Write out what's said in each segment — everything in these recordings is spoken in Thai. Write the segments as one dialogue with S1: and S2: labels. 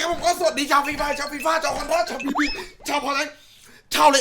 S1: ครับผมก็สวัสดีชาวฟีฟ่าชาวฟีฟ่าชาวคอนด้าชาวพีบีชาวพอลชาว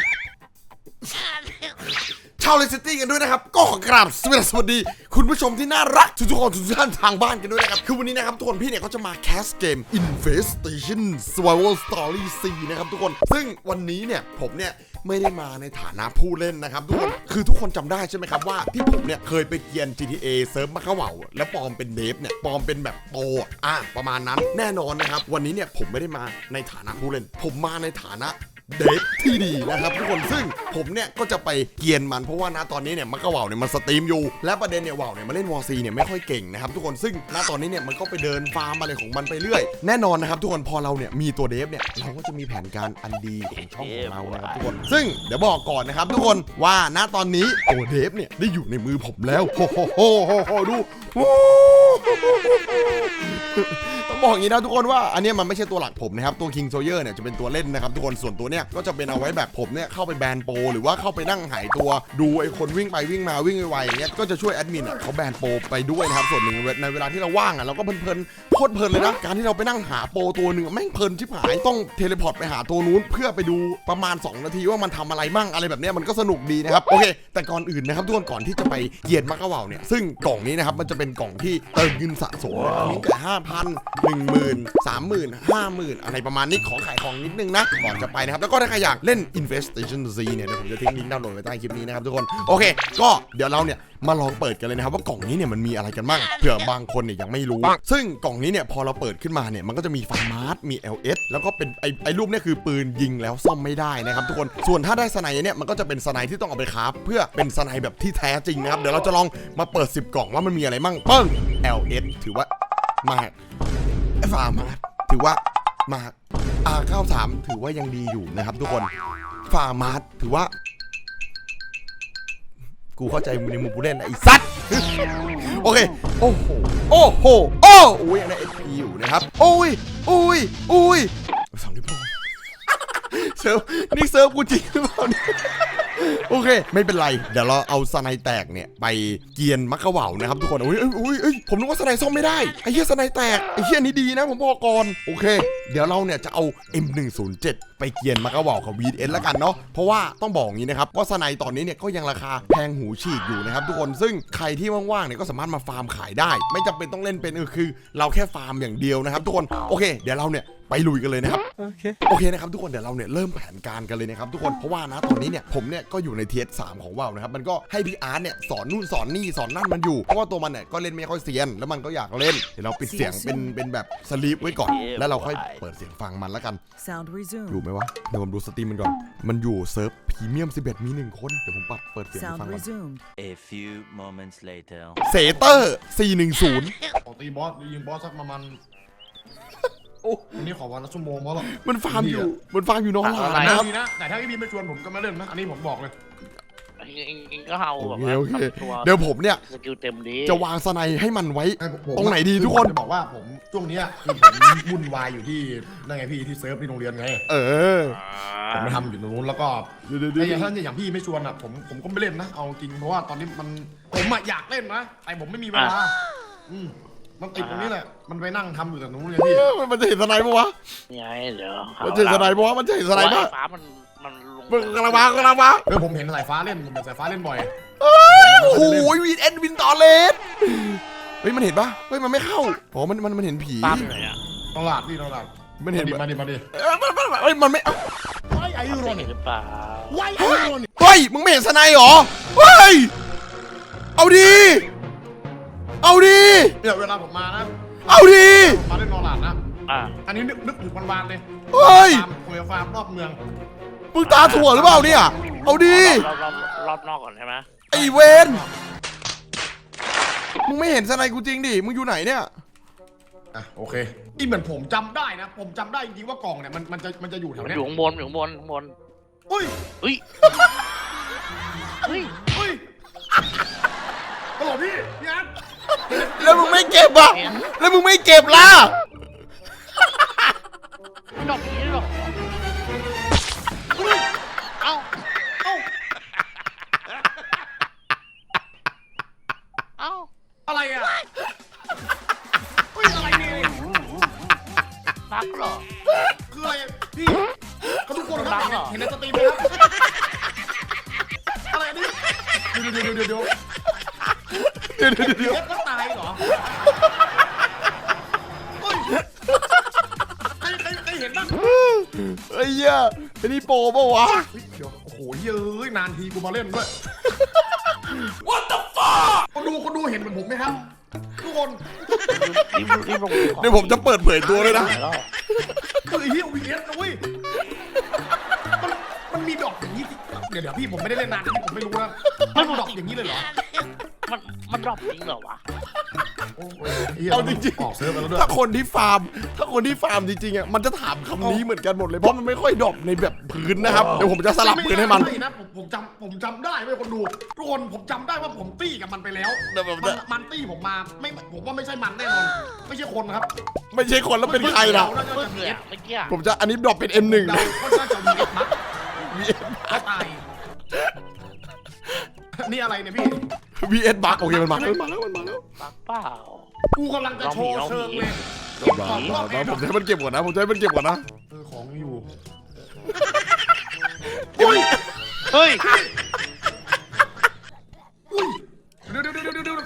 S1: เลสตี้กันด้วยนะครับก็ขอกราบสวัสดีคุณผู้ชมที่น่ารักทุกคนทุกท่านทางบ้านกันด้วยนะครับคือวันนี้นะครับทุกคนพี่เนี่ยเขาจะมาแคสเกม Infestation Survival Story 4 นะครับทุกคนซึ่งวันนี้เนี่ยผมเนี่ยไม่ได้มาในฐานะผู้เล่นนะครับทุกคนคือทุกคนจำได้ใช่ไหมครับว่าที่ผมเนี่ยเคยไปเกียน GTA เซิร์ฟมะเขาเหว่าแล้วปลอมเป็นเดฟเนี่ยปลอมเป็นแบบโปประมาณนั้นแน่นอนนะครับวันนี้เนี่ยผมไม่ได้มาในฐานะผู้เล่นผมมาในฐานะเดฟที่ดีนะครับทุกคนซึ่งผมเนี่ยก็จะไปเกียนมันเพราะว่าณตอนนี้เนี่ยมันก็ว่าวเนี่ยมันสตรีมอยู่และประเด็นเนี่ยว่าวเนี่ยมาเล่นวอร์ซีเนี่ยไม่ค่อยเก่งนะครับทุกคนซึ่งณตอนนี้เนี่ยมันก็ไปเดินฟาร์มอะไรของมันไปเรื่อยแน่นอนนะครับทุกคนพอเราเนี่ยมีตัวเดฟเนี่ยเราก็จะมีแผนการอันดีของช่องของเรานะครับทุกคนซึ่งเดี๋ยวบอกก่อนนะครับทุกคนว่าณตอนนี้ตัวเดฟเนี่ยได้อยู่ในมือผมแล้วโหดูต้องบอกอย่างนี้นะทุกคนว่าอันนี้มันไม่ใช่ตัวหลักผมนะครับตัว King Sawyer เนี่ยจะเป็นตัวเล่นนะครับทุกคนส่วนตัวเนี่ยก็จะเป็นเอาไว้แบบผมเนี่ยเข้าไปแบนโปรหรือว่าเข้าไปนั่งหายตัวดูไอ้คนวิ่งไปวิ่งมาวิ่งไวๆอย่างเงี้ยก็จะช่วยแอดมินเขาแบนโปรไปด้วยนะครับส่วนหนึ่งในเวลาที่เราว่างเราก็เพลินโคตรเพลินเลยนะการที่เราไปนั่งหาโปรตัวหนึ่งแม่งเพลินชิบหายต้องเทเลพอร์ตไปหาตัวนู้นเพื่อไปดูประมาณ2นาทีว่ามันทำอะไรมั่งอะไรแบบนี้มันก็สนุกดีนะครับโอเคแต่ก่อนอื่นนะครับทุกคนก่อนที่จะไปเกียนมักกะว่าวเนี่ยซึ่งกล่องนี้นะครับมันจะเป็นกล่องที่เติมเงินสะสมมีแต่ 5,000 10,000 30,000 50,000อะไรประมาณนี้ขอขายของนิดนึงนะก่อนจะไปนะครับแล้วก็ถ้าใครอยากเล่น Infestation Z เนี่ยเดี๋ยวผมจะทิ้งลิงก์ดาวน์โหลดไว้ใต้คลิปนี้นะครับทุกคนโอเคก็เดี๋ยวเราเนี่ยมาลองเปิดกันเลยนะครับว่ากล่องนี้เนี่ยมันมีอะไรกันบ้างเผื่อบางคนเนี่ยยังไม่รู้ซึ่งกล่องนี้เนี่ยพอเราเปิดขึ้นมาเนี่ยมันก็จะมีฟาร์มาร์ทมี LS แล้วก็เป็นไอ้รูปเนี่ยคือปืนยิงแล้วซ่อมไม่ได้นะครับทุกคนส่วนถ้าได้สไนเนี่ยมันก็จะเป็นสไนที่ต้องเอาไปคราฟเพื่อเป็นสไนแบบที่แท้จริงนะครับเดี๋ยวเราจะลองมาเปิด10กล่องว่ามันมีอะไรมั่งเปิ้ง LS ถือว่ามากฟาร์มาร์ทถือว่ามากR93 ถือว่ายังดีอยู่นะครับทุกคนฟาร์มาร์ทถือว่ากูเข้าใจมึงในมุมผู้เล่นไอ้สัตว์โอเคโอ้โหโอ้ยยังได้ SP อยู่นะครับโอ้ยสองนิ้วโป้งเซิร์ฟนี่เซิร์ฟกูจริงหรือเปล่าเนี่ยโอเคไม่เป็นไรเดี๋ยวเราเอาสไนแตกเนี่ยไปเกียนมักกะว่าวนะครับทุกคนโอ้ยผมนึกว่าสไนซ่อมไม่ได้ไอ้เหี้ยสไนแตกไอ้เหี้ยนี้ดีนะผมบอกก่อนโอเคเดี๋ยวเราเนี่ยจะเอา M107 ไปเกียนมักกะว่าวกับ VN แล้วกันเนาะเพราะว่าต้องบอกอย่างนี้นะครับว่าสไนตอนนี้เนี่ยก็ยังราคาแพงหูฉีกอยู่นะครับทุกคนซึ่งใครที่ว่างๆเนี่ยก็สามารถมาฟาร์มขายได้ไม่จำเป็นต้องเล่นเป็นคือเราแค่ฟาร์มอย่างเดียวนะครับทุกคนโอเคเดี๋ยวเราเนี่ยไปลุยกันเลยนะครับโอเคนะครับทุกคนเดี๋ยวเราเนี่ยเริ่มแผนการกันเลยนะครับทุกคนเพราะว่านะตอนนี้เนี่ยผมเนี่ยก็อยู่ในเทียร์3ของว่าวนะครับมันก็ให้พี่อาร์ตเนี่ยสอนนู่นสอนนี่สอนนั่นมันอยู่เพราะว่าตัวมันเนี่ยก็เล่นไม่ค่อยเซียนแล้วมันก็อยากเล่นเดี๋ยวเราปิดเสียงเป็นแบบสลีปไว้ก่อนแล้วเราค่อยเปิดเสียงฟังมันแล้วกันอยู่ไหมวะเดี๋ยวผมดูสตรีมมันก่อนมันอยู่เซิร์ฟพรีเมียม11มี1คนเดี๋ยวผมเปิดเสียงฟังก่อน
S2: A few moments later
S1: เซเตอร์410
S3: ขอตีบอสยิงบอสสักประมาณอันนี้ขอวันละชั่วโมงเพราะแบบ
S1: มันฟาร์มอยู่น้องหลาน
S3: นะครับ
S1: นะครับ
S3: แต่ถ้าพี่บีไม่ชวนผมก็ไม่เล่นนะอันนี้ผมบอกเลย
S4: เองก็เฮาแบบว่า
S1: โอเคเดี๋ยวผมเนี่ย
S4: สกิลเต็มดี
S1: จะวางสไนให้มันไว้
S3: ผม
S1: ตรงไหนดีทุกคน
S3: จะบอกว่าผมช่วงนี้คือผมวุ่นวายอยู่ที่นั่นไงพี่ที่เซิร์ฟที่โรงเรียนไงผมไปทำอยู่ตรงนู้นแล้วก็อย่างท่านอย่างพี่ไม่ชวนอ่ะผมก็ไม่เล่นนะเอาจริงเพราะว่าตอนนี้ผมอยากเล่นนะแต่ผมไม่มีเวลามันติดตรงนี้แหละมันไปนั่งทำอยู่แต่นู้นเลยพี่
S1: มันจะเห็นสไนปะวะ
S4: ไงเดี๋ยว
S1: มันจะเห็นสไนปะวะมันจะเห็นสไนปะ
S4: ฟ้ามันลง
S1: มึงกำลังมา
S3: ผมเห็นสายฟ้าเล่นผมเห็นสายฟ้าเล่นบ่อย
S1: โอ้โหวินต่อเลสเฮ้ยมันเห็นปะเฮ้ยมันไม่เข้าอ๋อมันเห็นผี
S4: ตามเลยอ่ะ
S3: ตลาดพี่ตลาด
S1: มันเห็น
S3: มาดิ
S1: เฮ้ยมันไม่
S3: Why are you
S4: เห็น
S3: running
S4: หรือเปล่า
S3: Why are you running
S1: เฮ้ยมึงไม่เห็นสไนหรอเฮ้ยเอาดี
S3: เนี่ยเวลาผมมานะ
S1: เอาดี
S3: ผมมาเล่นตลาดนะ อันนี้นึกถึงวันๆเลย
S1: เฮ้ย
S3: ฟาร์มรอบเมือง
S1: มึงตาถั่วหรือเปล่าเนี่ยเอาดี
S4: รอบนอกก่อนใช่ไหม
S1: ไอเวนมึงไม่เห็นสไนกูจริงดิมึงอยู่ไหนเนี่ย
S3: โอเคนี่เหมือนผมจำได้นะผมจำได้จริงๆว่ากล่องเนี่ยมันจะอยู่แถว
S4: มัน
S3: เนี้
S4: อย ยู่ข้างบน
S3: เฮ้ย
S4: เฮ้ย
S3: ตลอดพี่อาร์ต
S1: แล้วมึงไม่เก็บอ่ะแล้วมึงไม่เก็บล่ะ
S4: ไม่ดอกนี้หรอกเอ้า
S3: อะไรอ่ะเฮ้ยอะไรเนี่ย
S4: บั๊กเหรอ
S3: คืออะไรพี่เขาทุกคนครับ
S4: บังเหรอ
S3: เห็นในสตรีมไหมครับอะไรอันนี้เดี๋ยวก็ตายเหรอเฮ้ยใครเห็นบ้าง
S1: ไอ้เหี้ยไอ้นี่โปรเปล่าวะ
S3: เฮ้ยเดี๋ยวโอ้โหเย้ยนานทีกูมาเล่นด้วย What the fuck คนดูเห็นเหมือนผมไหมครับทุกคน
S4: รีบลง
S1: เดี๋ยวผมจะเปิดเผยตัวเลยนะ
S3: คือไอ้เหี้ย VS นะเว้ยมันมีดอกอย่างนี้สิเดี๋ยวพี่ผมไม่ได้เล่นนานผมไม่รู้นะมันดอกอย่างนี้เลยเหรอ
S4: มันดรอปจริงเหรอวะ
S1: เอาจริง
S3: ออกเซิร์ฟไปแล้วด้ว
S1: ๆ
S3: ย
S1: ถ้าคนที่ฟาร์มจริงๆอ่ะมันจะถามคำนี้เหมือนกันหมดเลยเพราะมันไม่ค่อยดรอปในแบบพื้นนะครับเดี๋ยวผมจะสลับพื้นให้มัน
S3: นะผมจำได้เว้ยคนดูทุกคนผมจำได้ว่าผมตี้กับมันไปแล้ว
S1: เดี๋ยวผม
S3: มันตี้ผมมาผมว่าไม่ใช่มันแน่นอนไม่ใช่คนครับ
S1: ไม่ใช่คนแล้วเป็นใครล่ะ
S3: น่าจะ
S4: เมื่อ
S3: เ
S4: กี้เมื่อกี้
S1: ผมจะอันนี้ดรอปเป็น M1
S3: ดา
S1: นะ
S3: ก็น่าจะมีมัดก็ตายนี่อะไรเนี่ยพี่
S1: VS บักโอเคมันมาแล้ว
S4: บั๊กเปล่า
S3: กูกำลังจะโชว์เชิงเลย
S1: ผมจะให้มันเก็บก่อนนะผมจะให้มันเก็บก่อนนะ
S3: ของอยู่
S4: เฮ้ย
S3: อุ้ยเดี๋ยว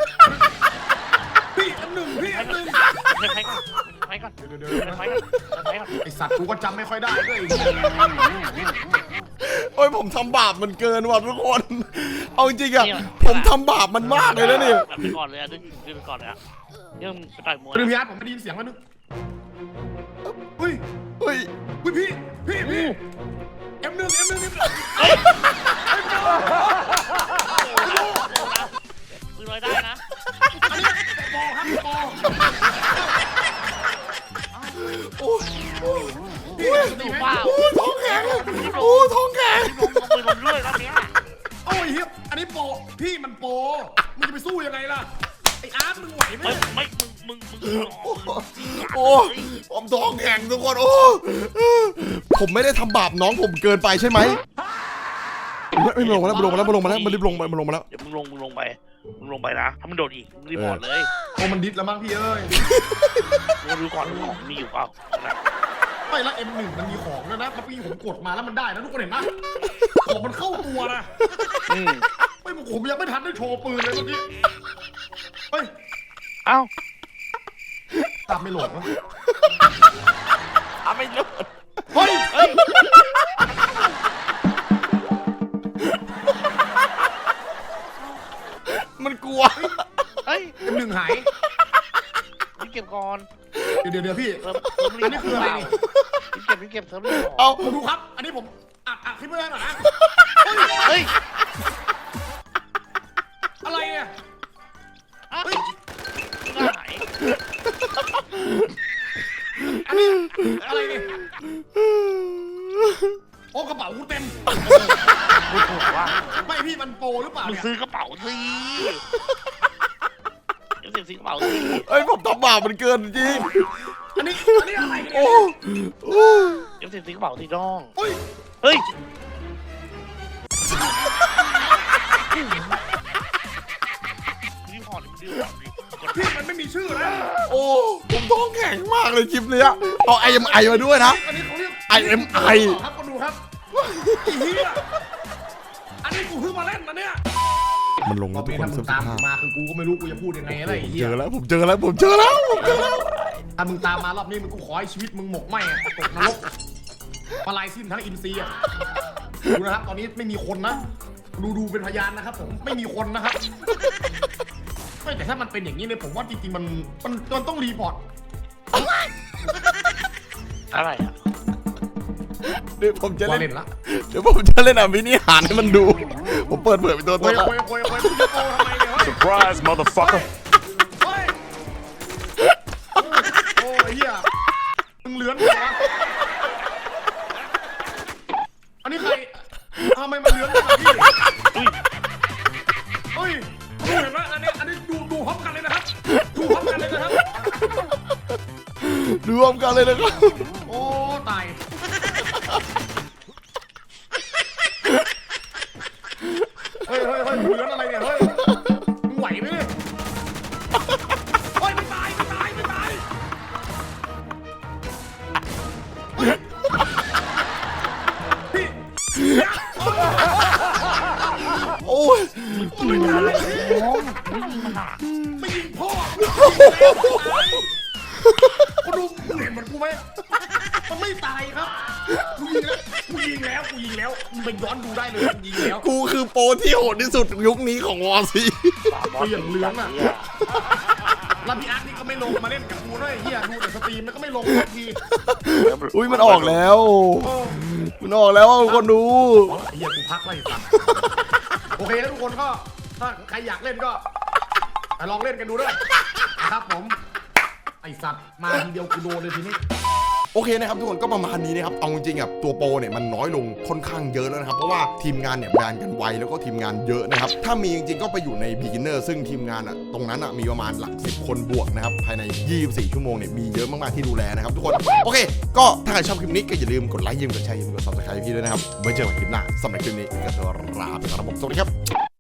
S3: พี่อันหนึ่ง
S4: ไปก่อนไปก่อน
S3: เดี๋ยว
S4: ไปก่อนไปก่อน
S3: ไอสัตว์กูก็จำไม่ค่อยได้ด้วย
S1: โอ้ยผมทำบาปมันเกินว่ะทุกคนเอาจริงๆอ่ะผมทำบาปมันมากเลยนะเนี่ย
S4: ไปก่อนเลยดึงไปก่อนเลยยังไปต่อยมวย
S3: เรื่องพี่อาร์ตผมไม่ได้ยินเสียงแล้วนึกเฮ้ย
S1: เฮ้ย
S3: พี่เอ็มหนึ่ง
S4: ปืนลอยได้นะ
S3: อันนี้ปอครับปอ
S1: โอ้ย
S3: พี่ตีไหม
S4: ว้าว
S1: ท้องแข็งโอ้ท้องแข็ง
S4: ปืนลมด้วยรอบนี้
S3: โอ้ยเฮียอันนี้ปอพี่มันปอมึงจะไปสู้ยังไงล่ะไออาร์ตมึงไหวไหม
S4: ไม่มึง
S1: โอ้ผมท้องแข็งทุกคนโอ้ผมไม่ได้ทำบาปน้องผมเกินไปใช่ไหมไม่ลงมาแล้วมันรีบลงมาแล้ว
S4: เดี๋ยวมึงลงไปนะถ้ามันโดดอีกมึงรีพอร์ตเลย
S3: โอ้มันดิสแล้วมั้งพี่เอ้ย
S4: มึงดูก่อนของมีอยู่เปล่า
S3: ไม่ละ M1 มันมีของแล้วนะเมื่อกี้ผมกดมาแล้วมันได้นะทุกคนเห็นไหมของมันเข้าตัวนะไม่ผมยังไม่ทันได้โชว์ปืนเลยเมื่อกี้เฮ้ย
S4: เอ้า
S3: ตามไม่โหลดวะ
S4: ไม่รู้
S3: เฮ้ย
S1: มันกลัว
S4: เฮ้ย
S3: M1 หาย
S4: เก็บก่อน
S3: เดี๋ยวพี่
S4: อันนี้คืออะไรนี่เก็บเสริม
S1: เอา
S3: ผมดูครับ อันนี้ผมอัดคลิปไว้หน่อยนะ
S4: เฮ้ย
S3: อะไรเนี่ย
S4: เฮ้ยหาย
S3: อันนี้อะไรเนี่ยโอ้กระเป๋ากูเต็ม
S4: พูดถูกว่า
S3: ไม่พี่มันโปรหรือเปล่า
S4: มึง
S3: เนี่ย
S4: ซื้อกระเป๋าสิซื้อกระเป๋าสิ
S1: เฮ้ยผมทำบาปมันเกินจริง
S3: อันนี้อะไรเนี่ย
S1: โอ้
S4: ซื้อกระเป๋าสิน้อง
S3: เฮ้ย
S4: เฮ้ยรีพอร์ตดิ
S3: พี่มันไม่มีชื่อนะ
S1: โอ้ผมท้องแข็งมากเลยคลิปเนี้ยเอา IMI มาด้วยนะ
S3: อันนี้เขาเรียก
S1: IMI
S3: ครับคนดูครับไอ้เหี้ยอันนี้กูเพิ่งมาเล่นนะเนี่ย
S1: มันลง
S3: ต
S1: แล้
S3: อ
S1: วน ทุก
S3: นี้
S1: คน
S3: ถ้ามึ
S1: เสื้
S3: ง
S1: อ
S3: ตาม
S1: ผ้า
S3: กูมาคือกูก็ไม่รู้กูจะพูดยังไงอะไรไอ้เหี้
S1: เจ
S3: ย
S1: อแล้วผมเจอแล้ว
S3: ถ้ามึงตามมารอบนี้มึงกูขอให้ชีวิตมึงหมกไหมอะตกนรกมาลายสิ้นทั้งอินซีอะดูนะครับตอนนี้ไม่มีคนนะดูเป็นพยานนะครับผมไม่มีคนนะครับไม่แต่ถ้ามันเป็นอย่างนี้เนี่ยผมว่าจริงๆมันต้องรีพอร์ต
S4: อะไรอ่ะ
S1: เดี๋ยวผมจะ
S3: ว่า
S1: เล่
S3: เล่
S1: น
S3: นละ
S1: เดี๋ยวผมจะเล่นมินิหารให้มันดู ผมเปิดเผยเป็นตัว
S3: โวย
S1: ละ
S3: มึงจะโกทำไมเนี่ยเฮ้ย
S5: Surprise, motherfucker.
S3: เฮ้ยโอ้ยเหี้ยมึงเลื้อนเหรอวะอันนี้ใครทำไมมันเลื้อนแบบนี้เฮ้ยดูเห็นไหมอันนี้ดูพร้อมกันเลยนะครับดูพร้อมกันเลยนะครับ
S1: รวมกันเลยนะครับ
S3: โอ้ตายเฮ้ยมึงเลื้อนอะไรเนี่ยเฮ้ยมึงไหวไหมเนี่ยเฮ้ยไม่ตาย
S4: ยิงอะไรโอ้ไม่ยิงมันอ่ะ
S3: ไม่ยิงพ่อกูดูมึงเห็นเหมือนกูไหมมันไม่ตายครับกูยิงแล้วมึงไปย้อนดูได้เลยมันยิงแล้ว
S1: กูคือโปรที่โหดที่สุดยุคนี้ของวอร์ซี
S3: เปลี่ยนเรื่องอะแล้วพี่อาร์ตนี่ก็ไม่ลงมาเล่นกับกูด้วยเฮียดูแต่สตรีมแล้วก็ไม่ลงสักที
S1: อุ้ยมันออกแล้วมันออกแล้วคนดู
S3: ไอ้เฮียกูพักไว้สัตว์โอเคแล้วทุกคนก็ถ้าใครอยากเล่นก็ไปลองเล่นกันดูด้วยนะครับผมไอสัตว์มาทีเดียวกูโดนเลยทีนี้
S1: โอเคนะครับทุกคนก็ประมาณนี้นะครับเอาจริงๆอ่ะตัวโปรเนี่ยมันน้อยลงค่อนข้างเยอะแล้วนะครับเพราะว่าทีมงานเนี่ยแบนกันไวแล้วก็ทีมงานเยอะนะครับถ้ามีจริงๆก็ไปอยู่ใน beginner ซึ่งทีมงานอ่ะตรงนั้นอ่ะมีประมาณหลัก10 คนบวกนะครับภายใน24 ชั่วโมงเนี่ยมีเยอะมากๆที่ดูแลนะครับทุกคนโอเคก็ถ้าใครชอบคลิปนี้ก็อย่าลืมกดไลค์อย่าลืมกดแชร์อย่าลืมกด subscribe พี่ด้วยนะครับไว้เจอกันคลิปหน้าสำหรับคลิปนี้ก็ตัวลาไปก่อนนะครับผมสวัสดีครับ